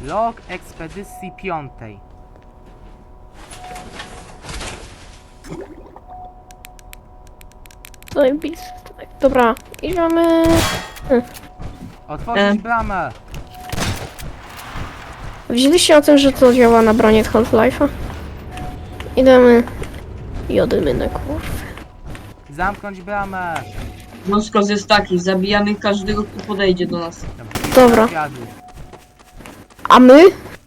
Log ekspedycji 5. Zajebiste. Dobra, idziemy. Otworzyć bramę! Wzięliście o tym, że to działa na bronie z Half-Life'a? Idziemy. Jodymy na kurwy. Zamknąć bramę! Rozkaz jest taki, zabijamy każdego, kto podejdzie do nas. Dobra. Zjadł. A my?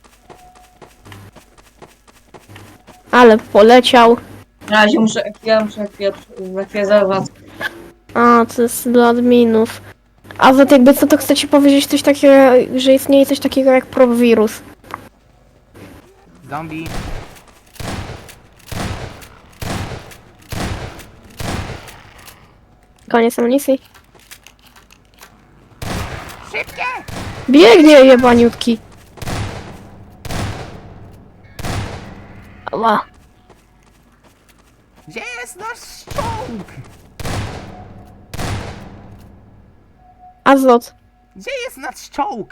Ale poleciał. Na razie ja muszę ekwizować. A, to jest dla adminów. A za jakby co, to chcecie powiedzieć coś takiego, że istnieje coś takiego jak probwirus. Zombie. Koniec amunicji. Szybkie! Biegnie jebaniutki. Ała. Gdzie jest nasz czołg? Azot. Gdzie jest nasz czołg?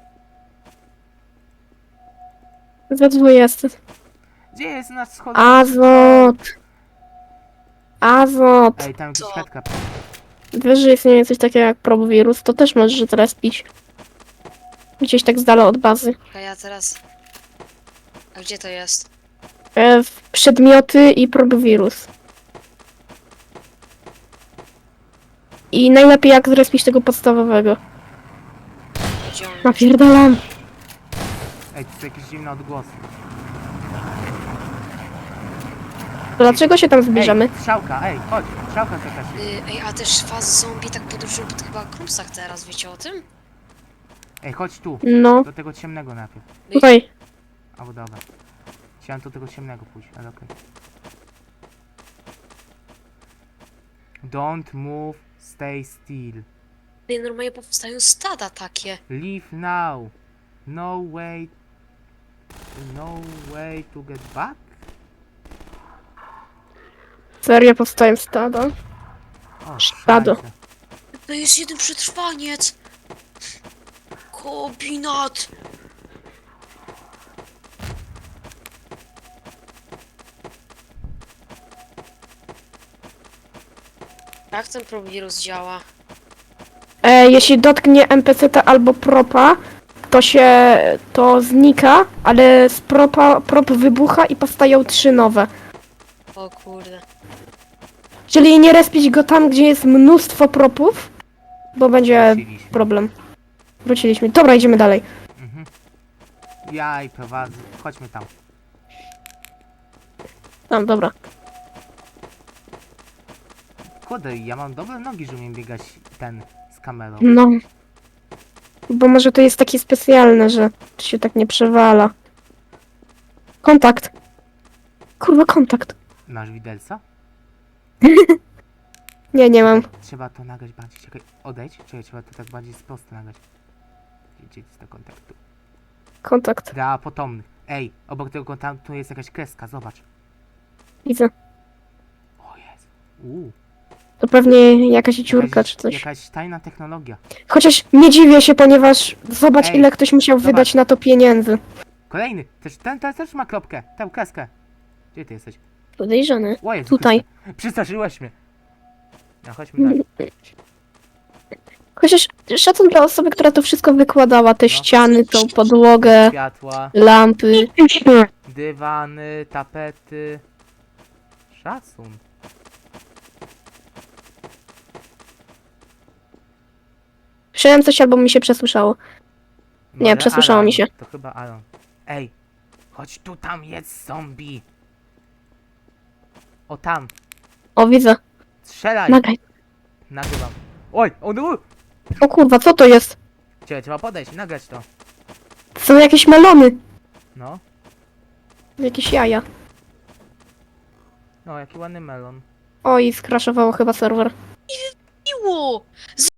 Ze 20. Gdzie jest nasz schod... Azot. Azot. Ej, tam jakiś Co? headcap. Wiesz, że istnieje coś takiego jak probwirus, to też możesz teraz pić. Gdzieś tak z dala od bazy. A ja teraz... A gdzie to jest? Przedmioty i probwirus. I najlepiej jak zrespić tego podstawowego. Gdzie on jest? Napierdalam. Ej, to jest jakiś dziwny odgłos. Dlaczego się tam zbliżamy? Ej, strzałka, ej, chodź. Strzałka jakaś jest. Ej, a też faz zombie tak podróżują po tych chyba krumsach teraz, wiecie o tym? Ej, chodź tu. No, Do tego ciemnego najpierw. tutaj. Albo dobra. Chciałem do tego ciemnego pójść, ale okej. Don't move, stay still. Ej, normalnie powstają stada takie. Leave now. No way. No way to get back? Serio powstają stada. O, Stado. szajse. To jest jeden przetrwaniec! Kombinat! Jak ten probirus działa? Jeśli dotknie NPC-ta albo propa, to znika, ale z prop wybucha i powstają 3 nowe. O kurde. Czyli nie respić go tam, gdzie jest mnóstwo propów, bo będzie Wróciliśmy. problem. Wróciliśmy. Dobra, idziemy dalej. Mhm. Ja i prowadzę. Chodźmy tam. Tam, dobra. Kurde, ja mam dobre nogi, że umiem biegać ten z kamerą. No. Bo może to jest takie specjalne, że to się tak nie przewala. Kontakt. Kurwa, kontakt. Masz widelca? Nie, nie mam. Trzeba to nagrać bardziej. Czekaj, odejdź. Czekaj, trzeba to tak bardziej prosto nagrać. Gdzie jest do kontaktu? Kontakt. Dla potomnych. Ej, obok tego kontaktu jest jakaś kreska, zobacz. Widzę. O jest. Uuu. To pewnie jakaś dziurka czy coś. Jakaś tajna technologia. Chociaż nie dziwię się, ponieważ zobacz, Ej, ile ktoś musiał zobacz. wydać na to pieniędzy. Kolejny. Ten też ma kropkę. Tę kreskę. Gdzie ty jesteś? Podejrzany. O Jezu Tutaj. Chryste. Przestraszyłeś mnie. No chodźmy dalej. Chociaż szacun dla osoby, która to wszystko wykładała. Te No. ściany, tą podłogę, Światła, lampy. dywany, tapety. Szacun. Słyszałem coś albo mi się przesłyszało. Nie, Może przesłyszało Alan. mi się. To chyba Alan. Ej, chodź tu, tam jest zombie. O tam, O, widzę. strzelaj. Nagraj. Nagrywam. Oj, O kurwa, co to jest? Trzeba podejść, nagrać to. To są jakieś melony. No, Jakieś jaja. no jaki ładny melon. Oj, skraszowało chyba serwer. Miło!